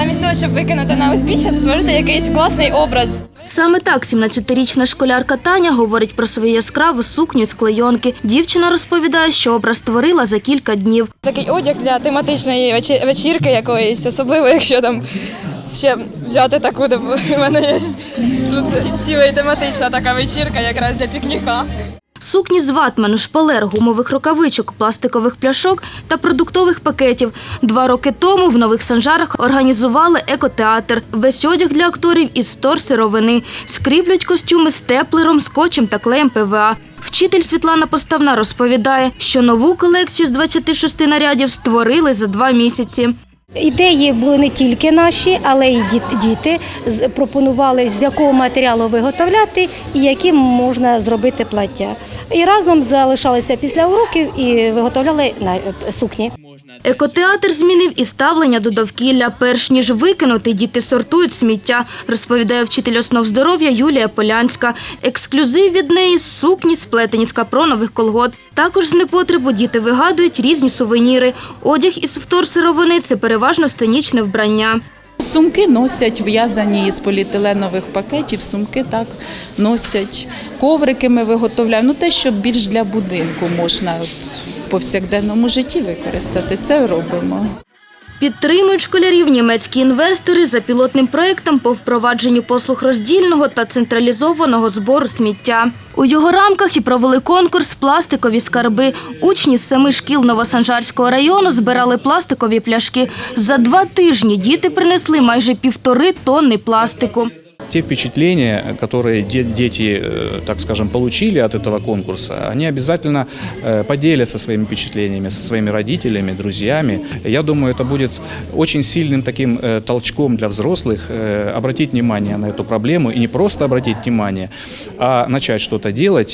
замість того, щоб викинути на узбіччя, створити якийсь класний образ. Саме так 17-річна школярка Таня говорить про свою яскраву сукню з клейонки. Дівчина розповідає, що образ створила за кілька днів. Такий одяг для тематичної вечірки якоїсь, особливо, якщо там ще взяти таку, де в мене є тут ціла тематична така вечірка якраз для пікніка. Сукні з ватману, шпалер, гумових рукавичок, пластикових пляшок та продуктових пакетів. 2 роки тому в Нових Санжарах організували екотеатр. Весь одяг для акторів із вторсировини. Скріплють костюми степлером, скотчем та клеєм ПВА. Вчитель Світлана Поставна розповідає, що нову колекцію з 26 нарядів створили за 2 місяці. Ідеї були не тільки наші, але й діти пропонували, з якого матеріалу виготовляти і яким можна зробити плаття. І разом залишалися після уроків і виготовляли сукні. Екотеатр змінив і ставлення до довкілля. Перш ніж викинути, діти сортують сміття, розповідає вчитель основ здоров'я Юлія Полянська. Ексклюзив від неї – сукні, сплетені з капронових колгот. Також з непотребу діти вигадують різні сувеніри. Одяг із вторсировини – це переважно сценічне вбрання. Сумки носять, в'язані із поліетиленових пакетів, сумки так носять. Коврики ми виготовляємо, те, що більш для будинку можна в повсякденному житті використати, це робимо. Підтримують школярів німецькі інвестори за пілотним проєктом по впровадженню послуг роздільного та централізованого збору сміття. У його рамках і провели конкурс «Пластикові скарби». Учні з 7 шкіл Новосанжарського району збирали пластикові пляшки. За 2 тижні діти принесли майже 1,5 тонни пластику. Те впечатления, которые дети, так скажем, получили от этого конкурса, они обязательно поделятся своими впечатлениями со своими родителями, друзьями. Я думаю, это будет очень сильным таким толчком для взрослых обратить внимание на эту проблему. И не просто обратить внимание, а начать что-то делать.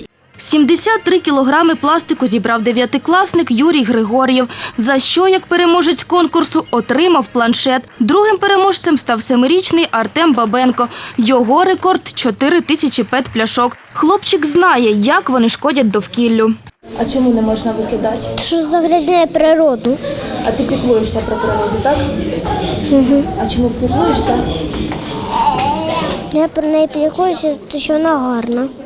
73 кілограми пластику зібрав 9-класник Юрій Григор'єв, за що, як переможець конкурсу, отримав планшет. Другим переможцем став 7-річний Артем Бабенко. Його рекорд – 4 тисячі пет-пляшок. Хлопчик знає, як вони шкодять довкіллю. А чому не можна викидати? Що загрязняє природу. А ти піклуєшся про природу, так? Угу. А чому піклуєшся? Я про неї піклуюся, тому що вона гарна.